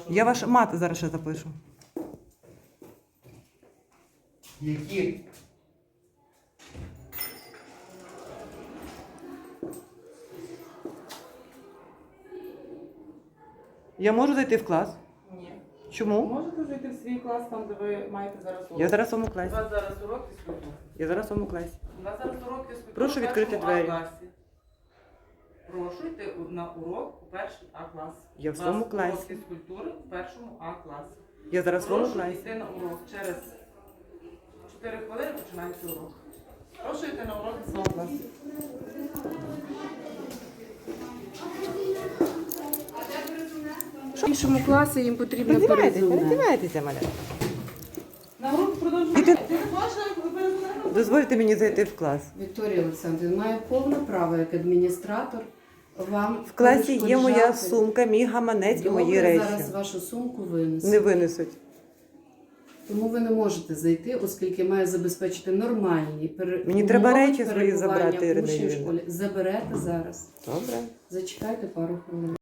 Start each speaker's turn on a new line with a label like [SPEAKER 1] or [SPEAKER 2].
[SPEAKER 1] Я ваш мат зараз ще запишу.
[SPEAKER 2] Які?
[SPEAKER 1] Я можу зайти в клас?
[SPEAKER 3] Ні.
[SPEAKER 1] Чому?
[SPEAKER 3] Можете зайти в свій клас, там, де ви маєте зараз урок.
[SPEAKER 1] Я зараз в своєму
[SPEAKER 3] У
[SPEAKER 1] класі.
[SPEAKER 3] вас зараз урок фізкультури.
[SPEAKER 1] Я зараз в своєму класі.
[SPEAKER 3] У нас зараз урок фізкультури.
[SPEAKER 1] Прошу
[SPEAKER 3] в
[SPEAKER 1] відкрити
[SPEAKER 3] першому
[SPEAKER 1] двері.
[SPEAKER 3] А-класі. Прошу йти на урок у перший А-клас.
[SPEAKER 1] Я в
[SPEAKER 3] У
[SPEAKER 1] своєму
[SPEAKER 3] нас
[SPEAKER 1] класі.
[SPEAKER 3] урок фізкультури в першому А-класі.
[SPEAKER 1] Я зараз в своєму
[SPEAKER 3] Прошу
[SPEAKER 1] класі.
[SPEAKER 3] йти на урок. Через 4 хвилини починається урок. Прошу йти на урок в своєму класі.
[SPEAKER 4] В іншому класі їм потрібно
[SPEAKER 1] Передівайтеся,
[SPEAKER 4] перезумне.
[SPEAKER 1] передівайтеся, маля.
[SPEAKER 3] На урок продовжуємо.
[SPEAKER 1] Іди.
[SPEAKER 3] Ти не хочеш перезумати?
[SPEAKER 1] Дозвольте мені зайти в клас.
[SPEAKER 4] Вікторія Олександрівна має повне право як адміністратор вам
[SPEAKER 1] В класі є моя
[SPEAKER 4] перешкоджати.
[SPEAKER 1] сумка, мій гаманець і мої
[SPEAKER 4] Добре,
[SPEAKER 1] речі.
[SPEAKER 4] зараз вашу сумку винесуть.
[SPEAKER 1] Не винесуть.
[SPEAKER 4] Тому ви не можете зайти, оскільки має забезпечити нормальні
[SPEAKER 1] Мені треба
[SPEAKER 4] умови
[SPEAKER 1] речі свої
[SPEAKER 4] перебування
[SPEAKER 1] забрати, Ірина
[SPEAKER 4] учнів в
[SPEAKER 1] Юріївна.
[SPEAKER 4] школі. Заберете зараз.
[SPEAKER 1] Добре.
[SPEAKER 4] Зачекайте пару хвилин.